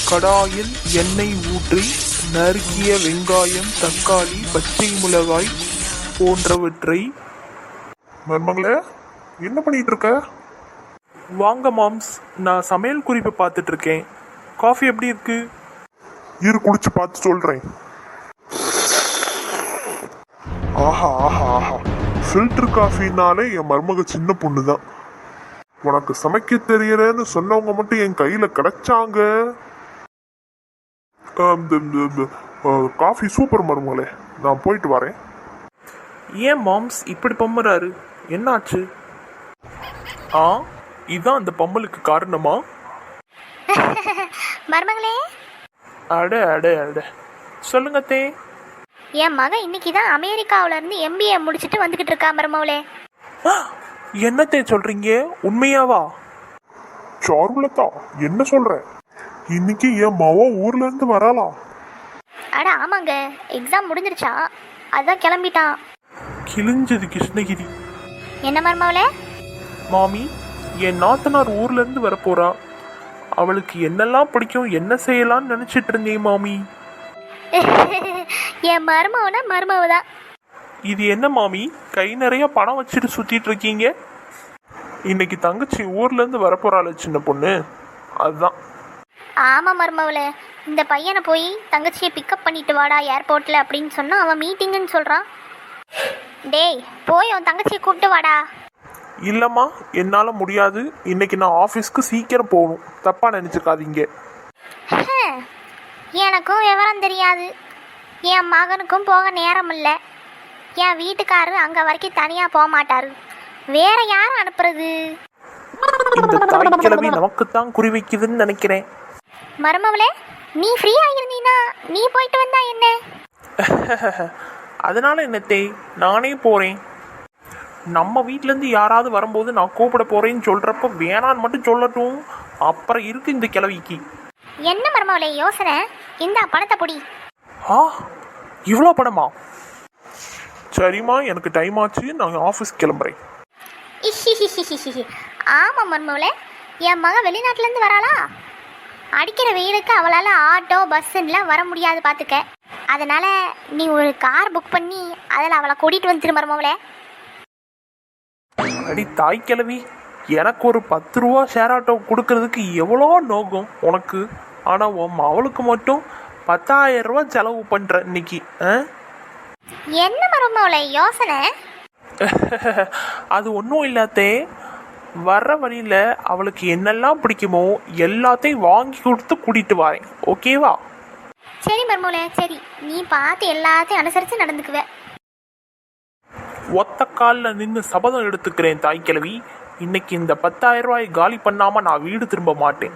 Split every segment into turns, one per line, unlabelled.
கடாயில் எண்ணெய் ஊற்றி நறுக்கிய வெங்காயம், தக்காளி, பச்சை மிளகாய் போன்றவற்றை.
மருமகளே, என்ன பண்ணிட்டு இருக்க?
வாங்க மாம்ஸ், நான் சமையல் குறிப்பு பார்த்துட்டு இருக்கேன். காஃபி எப்படி இருக்கு?
இரு, குடிச்சு பார்த்து சொல்றேன். ஆஹா ஆஹா ஆஹா, ஃபில்டர் காஃபினாலே என் மருமக சின்ன பொண்ணு தான். உனக்கு சமைக்க தெரியலன்னு சொன்னவங்க மட்டும் என் கையில கிடைச்சாங்க. காஃபி சூப்பர் மருமகளே, நான் போயிட்டு வரேன்.
ஏன் மாம்ஸ் இப்படி பம்புறாரு? என்னாச்சு? இதான் அந்த பம்பலுக்கு காரணமா?
மருமகளே,
அட அட அட, சொல்லுங்க தே.
என் மகன் இன்னைக்கு தான் அமெரிக்காவில இருந்து MBA முடிச்சுட்டு வந்துகிட்டு இருக்கா மருமகளே.
என்னத்தே சொல்றீங்க? உண்மையாவா?
சாருலதா, என்ன சொல்ற? இன்னைக்கு என் மாவா ஊர்ல இருந்து வரலாம்.
அட ஆமாங்க, எக்ஸாம் முடிஞ்சிருச்சா, அதான் கிளம்பிட்டான்.
கிழிஞ்சது கிருஷ்ணகிரி.
என்ன மருமகளே?
மாமி, என் நாத்தனார் ஊர்ல இருந்து வரப்போறா. அவளுக்கு என்னெல்லாம் பிடிக்கும், என்ன செய்யலாம்னு நினைச்சிட்டு இருந்தேன் மாமி.
என் மருமவனா மருமவதான்.
இது என்ன மாமி, கை நிறைய பணம் வச்சுட்டு சுத்திட்டு இருக்கீங்க? இன்னைக்கு தங்கச்சி ஊர்ல இருந்து வரப்போறாள் சின்ன பொண்ணு, அதுதான்.
ஆமா மருமவளே, இந்த பையனை போய் தங்கச்சியை பிக்கப் பண்ணிட்டு வாடா ஏர்போர்ட்ல அப்படின்னு சொன்னா அவன் மீட்டிங்குன்னு சொல்றான். டேய், போய் உன் தங்கச்சியை கூப்பிட்டு வாடா.
இல்லம்மா, என்னால முடியாது. இன்னைக்கு நான் ஆஃபீஸ்க்கு சீக்கிரம் போகணும், தப்பா நினைச்சுக்காதீங்க.
எனக்கும் விவரம் தெரியாது, என் மகனுக்கும் போக நேரம் இல்லை. என் வீட்டுக்காரரு அங்க வரைக்கும் தனியா போக மாட்டாரு, வேற யாரும் அனுப்புறது?
இந்த தாய் கிழவி நமக்குத்தான் குறி வைக்குதுன்னு நினைக்கிறேன்.
மருமவளே, நீ ஃப்ரீயா இருந்தீனா நீ போயிட்டு வந்தா என்ன?
அதனால என்னத்தே, நானே போறேன். நம்ம வீட்ல இருந்து யாராவது வரும்போது நான் கூப்பிட போறேன்னு சொல்றப்ப வேணான்னு மட்டும் சொல்லட்டும், அப்புறம் இருக்கு இந்த கிழவிக்கு.
என்ன மருமவளே யோசனை? இந்த பணத்தை பொடி.
இவ்வளோ பணமா? சரிம்மா, எனக்கு டைம் ஆச்சு, நான் ஆஃபீஸ் கிளம்புறேன்.
ஆமா மருமவளே, என் மகன் வெளிநாட்டுல இருந்து வராளா, அடிக்கிற வெயிலுக்கு அவளால் ஆட்டோ பஸ்ஸுலாம் வர முடியாது பார்த்துக்க. அதனால நீ ஒரு கார் புக் பண்ணி அதில் அவளை கூட்டிகிட்டு வந்துரு மருமவளே.
அடி தாய் கிழவி, எனக்கு ஒரு 10 ரூபா ஷேர் ஆட்டோ கொடுக்கறதுக்கு எவ்வளோ நோக்கம் உனக்கு. ஆனால் உன் அவளுக்கு மட்டும் 10,000 ரூபா செலவு பண்ணுற இன்னைக்கு.
என்ன மருமவளே யோசனை?
அது ஒன்றும் இல்லாதே, வர்ற வழியில் அவளுக்கு என்னெல்லாம் பிடிக்குமோ எல்லாத்தையும் வாங்கி கொடுத்து கூட்டிகிட்டு வரேன், ஓகேவா?
சரி மருமவளே, சரி, நீ பார்த்து எல்லாத்தையும் அனுசரித்து நடந்துக்குவ.
ஒத்த காலில் நின்று சபதம் எடுத்துக்கிறேன் தாய் கிழவி, இன்னைக்கு இந்த 10,000 ரூபாய் காலி பண்ணாமல் நான் வீடு திரும்ப மாட்டேன்.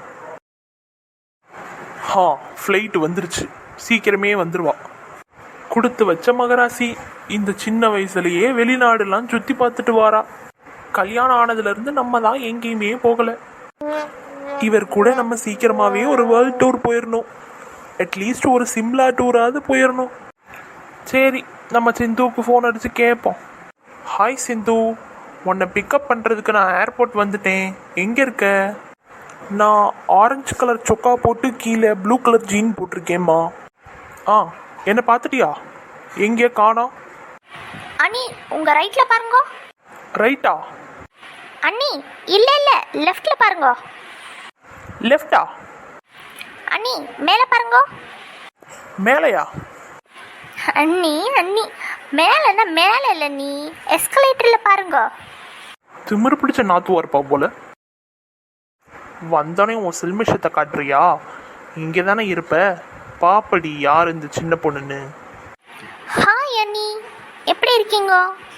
ஃப்ளைட் வந்துருச்சு, சீக்கிரமே வந்துடுவா. கொடுத்து வச்ச மகராசி, இந்த சின்ன வயசுலயே வெளிநாடுலாம் சுற்றி பார்த்துட்டு வாரா. கல்யாணம் ஆனதுலேருந்து நம்ம தான் எங்கேயுமே போகலை. இவர் கூட நம்ம சீக்கிரமாகவே ஒரு வேர்ல்ட் டூர் போயிடணும், அட்லீஸ்ட் ஒரு சிம்லா டூராவது போயிடணும். சரி, நம்ம சிந்துவுக்கு ஃபோன் அடித்து கேட்போம். ஹாய் சிந்து, உன்னை பிக்கப் பண்ணுறதுக்கு நான் ஏர்போர்ட் வந்துட்டேன், எங்கே இருக்க? நான் ஆரஞ்சு கலர் சொக்கா போட்டு கீழே ப்ளூ கலர் ஜீன் போட்டிருக்கேம்மா. என்னை பார்த்துட்டியா? எங்கே காணோம்?
அண்ணி, உங்க ரைட்ல பாருங்க.
ரைட்டா?
அண்ணி, இல்ல லெஃப்ட்ல பாருங்க.
லெஃப்டா?
அண்ணி, மேல பாருங்க.
மேலையா?
அண்ணி அண்ணி, மேலன்னா மேல இல்ல, நீ எஸ்கலேட்டர்ல பாருங்க.
திமிரு பிடிச்ச நாத்து இருப்பா போல. வந்தோடனே உன் சில்மிஷத்தை காட்டுறியா? இங்கே தானே இருப்ப, பாப்படி யார் இந்த சின்ன பொண்ணுன்னு.
ஹாய் அண்ணி, எப்படி இருக்கீங்க?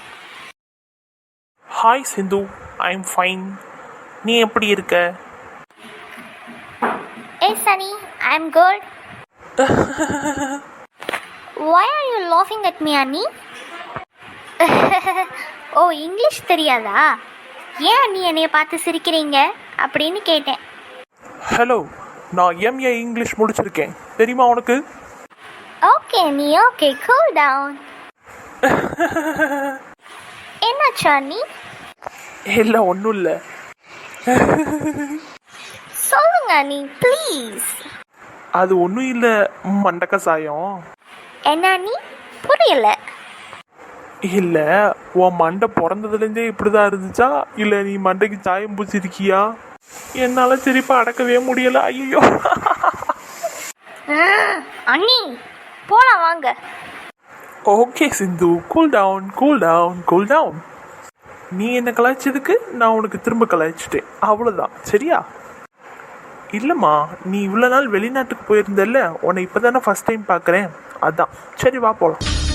Hi Sindhu, I am fine. நீ எப்படி இருக்க?
எஸ் அண்ணி, I am good. Why are you laughing at me, அண்ணி? ஓ, இங்கிலீஷ் தெரியாதா? ஏன் அண்ணி என்னைய பார்த்து சிரிக்கிறீங்க அப்படின்னு கேட்டேன்.
ஹலோ, நான் MA இங்கிலீஷ் முடிச்சிருக்கேன், தெரியுமா உனக்கு?
ஓகே அண்ணி, ஓகே, கூல் டவுன். என்னாச்சு அண்ணி?
இல்லை, ஒன்றும் இல்லை.
சொல்லுங்க அண்ணி ப்ளீஸ்.
அது ஒன்றும் இல்லை, மண்டக்க சாயம்.
என்ன நீ புரியல?
இல்லை, உன் மண்டை பிறந்ததுலேருந்தே இப்படிதான் இருந்துச்சா, இல்லை நீ மண்டைக்கு சாயம் பூச்சிருக்கியா? என்னால் சிரிப்பா அடக்கவே முடியல. ஐயோ.
அண்ணி போலாம் வாங்க.
Okay Sindhu, cool down cool down cool down. நீ என்ன கலாய்ச்சதுக்கு நான் உனக்கு திரும்ப கலாய்ச்சிட்டேன், அவ்வளோதான். சரியா? இல்லைம்மா, நீ இவ்வளோ நாள் வெளிநாட்டுக்கு போயிருந்தல்ல, உன்னை இப்போ தானே ஃபஸ்ட் டைம் பார்க்குறேன், அதான். சரி வா போகலாம்.